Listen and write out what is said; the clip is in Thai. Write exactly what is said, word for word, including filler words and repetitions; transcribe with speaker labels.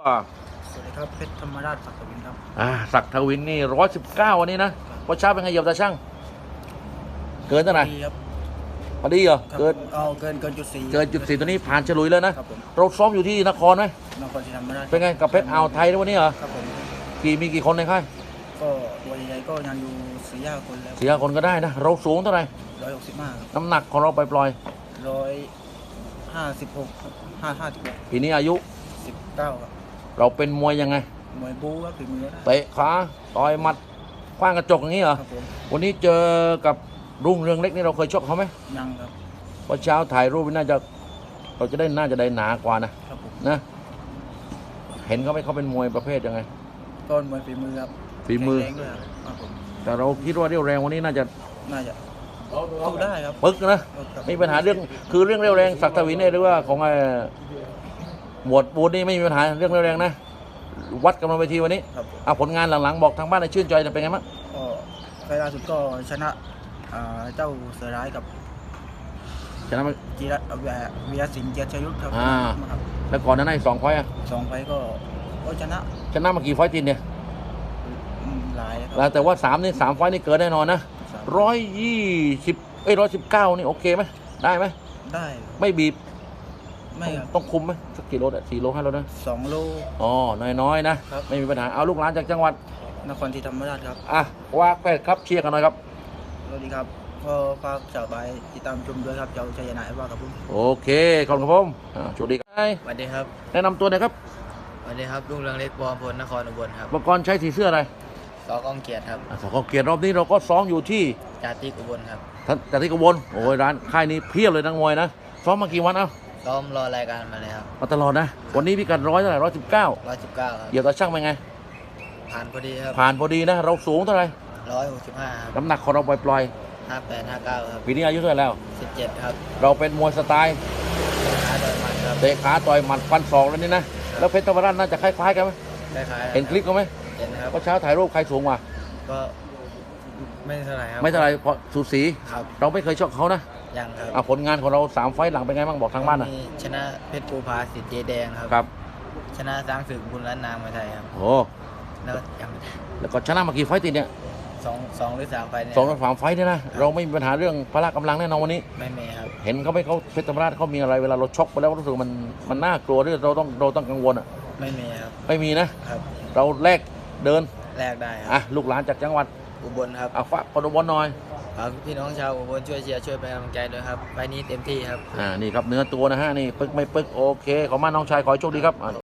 Speaker 1: อ่า
Speaker 2: สวัสดีครับเพชรธรรมราชศักดิ์วินครับ
Speaker 1: อ่าศักดิ์ทวินนี่ร้อยสิบเก้าวันนี้นะพอเช้าเป็นไงเหยียบตาช่างเกินเท่าไหร่
Speaker 2: ดีครับ
Speaker 1: พอดีเหรอ
Speaker 2: ครับ
Speaker 1: เกิน
Speaker 2: เอาเกินเกินจุดสี่
Speaker 1: เกินจุดสี่ตัวนี้ผ่านฉลุยแล้วนะครับ
Speaker 2: ผม
Speaker 1: เราซ้อมอยู่ที่นครไหม
Speaker 2: นครศรีธรรมราช
Speaker 1: เป็นไงกับเพชรอ่าวไทยด้วยวันนี้เหรอ
Speaker 2: ครับผม
Speaker 1: กี่มีกี่คนในค่าย
Speaker 2: ก็ตัวใหญ่ๆก็ยังอยู่สี่ห้าคนแล้ว
Speaker 1: สี่ห้าคนก็ได้นะเราสูงเท่าไหร่
Speaker 2: ร้อยหกสิบห้าครับ
Speaker 1: น้ำหนักของเราไปปล่อย
Speaker 2: ร้อยห้าสิบหกห้าห้าสิบหก
Speaker 1: ปีนี้อายุ
Speaker 2: สิบเก้าครับ
Speaker 1: เราเป็นมวยยังไง
Speaker 2: มวยบู๊ครับฝีมือ
Speaker 1: เตะขาต่อยหมัดคว้างกระจกอย่างนี้เหรอ
Speaker 2: ครับผม
Speaker 1: วันนี้เจอกับรุ่งเรืองเล็กนี่เราเคยชกเขาไหม
Speaker 2: ยังครับ
Speaker 1: พอเช้าถ่ายรูปน่าจะเราจะได้น่าจะได้หนากว่านะครับ
Speaker 2: ผม
Speaker 1: นะเห็นเขาไหมเขาเป็นมวยประเภทยังไง
Speaker 2: ต้นมวยฝีมือครับ
Speaker 1: ฝีมือ
Speaker 2: แข็งแรงด้วยครับผม
Speaker 1: แต่เราคิดว่าเรี่ยวแรงวันนี้น่าจะ
Speaker 2: น่าจะสู้ได้ครับ
Speaker 1: ปึ๊กนะไม่มีปัญหาเรื่องคือเรื่องเรี่ยวแรงศักดิ์ทวินเนี่ยหรือว่าของไอ้หมวดบูนนี่ไม่มีปัญหาเรื่องเรี่ยวแรงนะวัดกันมาเวทีวันนี้
Speaker 2: ครับผม
Speaker 1: เอาผลงานหลังๆบอกทางบ้านในชื่นใจจะเป็นไงบ้าง
Speaker 2: ก็ไฟล์ล่าสุดก็ชนะอ่าเจ้าเสือร้ายกับ
Speaker 1: ชนะไหม
Speaker 2: จีรัตน์วีรศิลป์เกียรติชยุทธครับ
Speaker 1: อ่า
Speaker 2: ครับ
Speaker 1: แล้วก่อนหน้านั้นอีกสองไฟต์อะ
Speaker 2: สองไฟล์ก็ก็ชนะ
Speaker 1: ชนะมากี่ไฟต์ติดเนี่ย
Speaker 2: อืมหลายค
Speaker 1: แล้
Speaker 2: รั
Speaker 1: วแต่ว่าสามนี่สามไฟต์นี่เกินแน่นอนนะ
Speaker 2: สาม
Speaker 1: ร้อยยี่สิบเอ้ยร้อยสิบเก้านี่โอเคไหมได้ไหม
Speaker 2: ได้
Speaker 1: ไม่บีบ
Speaker 2: ไม่ครับ
Speaker 1: ต้องคุมไหมสักกี่โลอะสี่โลห้าโลนะ
Speaker 2: สองโล
Speaker 1: อ๋อน้อยๆนะครับ ไม่มีปัญหาเอาลูกหลานจากจังหวัด
Speaker 2: นครศรีธรรมราชครับ
Speaker 1: อ่ะว่าแปดครับเชียร์กันหน่อยครับ
Speaker 2: สวัสดีครับก็ฝากชาวบ้านติดตามชมด้วยครับเจ้าชัยนาทว่ากับผม
Speaker 1: โอเคขอบคุณครับผมอ่าโชคดีครับ
Speaker 3: สวัสดีครับ
Speaker 1: แนะนำตัวหน่อยครับ
Speaker 3: สวัสดีครับลุงเรืองเล็กบอมพลนครอุบลครับ
Speaker 1: อุปกรณ์ใช้สีเสื้ออะไร
Speaker 3: สอกองเกียรติครับ
Speaker 1: อ่ะสกเกียรติรอบนี้เราก็ซ้อมอยู่ที่
Speaker 3: จาติกอุบลครับ
Speaker 1: ท่านจากที่กบลโอ้ยร้านค่ายนี้เพียบเลยนักมวยนะซ้อมมากี่วันเอ้า
Speaker 3: ซ้อมรอรายการมาเลยครับ
Speaker 1: มาตลอดนะวันนี้พิกัดร้อยเท่าไหร่ร้อยสิบเก้า
Speaker 3: ร้อยสิบเก้าครับ
Speaker 1: เหยียบตาช่างเป็นไง
Speaker 3: ผ่านพอดีครับ
Speaker 1: ผ่านพอดีนะ เราสูงเท่าไหร่
Speaker 3: ร้อยหกสิบห้าครับ
Speaker 1: น้ำหนักของเราปล่อย
Speaker 3: ห้าแปดห้าเก้าครับ
Speaker 1: ๆปีนี้อายุเท่าไหร่แล้ว
Speaker 3: สิบเจ็ดครับ
Speaker 1: เราเป็นมวยสไตล์
Speaker 3: ขาโดยมันครับ
Speaker 1: เตะขาต่อยหมัดฟันศอกแล้วนี่นะแล้วเพชรธรรมราชน่าจะคล้ายๆกันไหม
Speaker 3: คล้ายๆ
Speaker 1: เห็นคลิปเขาไหม
Speaker 3: เห็นครับ
Speaker 1: ก็เช้าถ่ายรูปใครสูงกว่า
Speaker 3: ก็ไม่เท่าไหร่ครับ
Speaker 1: ไม่เท่าไหรเพราะสูสี
Speaker 3: ครับ
Speaker 1: เราไม่เคยชกเขานะ
Speaker 3: ยังครับ
Speaker 1: อ่ะผลงานของเราสามไฟต์หลังเป็นไงบ้างบอกทางบ้านนะ
Speaker 3: มีชนะเพชรภูพาสิทธิ์เจแดงครับ
Speaker 1: ครับ
Speaker 3: ชนะสร้างศึกบุญล้านนามมาไทยครับ
Speaker 1: โอ้
Speaker 3: แล้วยัง
Speaker 1: แล้วก็ชนะมากี่ไฟต์ติดเนี่ย
Speaker 3: สองสองหรือสามไฟล์เนี่ย
Speaker 1: สองสามไฟต์เนี่ยนะเราไม่มีปัญหาเรื่องพละกำลังแน่นอนวันนี้
Speaker 3: ไม่มีครับ
Speaker 1: เห็นเขาไหม่เขาเพชรธรรมราชเขามีอะไรเวลาเราชกไปแล้วรู้สึกมันมันน่ากลัวที่เราต้องเราต้องกังวลอ่ะ
Speaker 3: ไม่มีครับ
Speaker 1: ไม่มีนะครับ เราแลกเดิน
Speaker 3: แลกได้ค
Speaker 1: อ่ะ
Speaker 3: รับ
Speaker 1: ลูกหลานจากจังหวัด
Speaker 3: อุบลครับ
Speaker 1: อ่ะฝากคนอุบลหน่อย
Speaker 3: ฝากพี่น้องชาวอุบลช่วยเชียร์ช่วยเป็นกำลังใจด้วยครับไฟล์นี้เต็มที่ครับ
Speaker 1: อ่านี่ครับเนื้อตัวนะฮะนี่ปึ๊กไม่ปึ๊กโอเคขอบคุณมากน้องชายขอให้โชคดีครับอ่ะ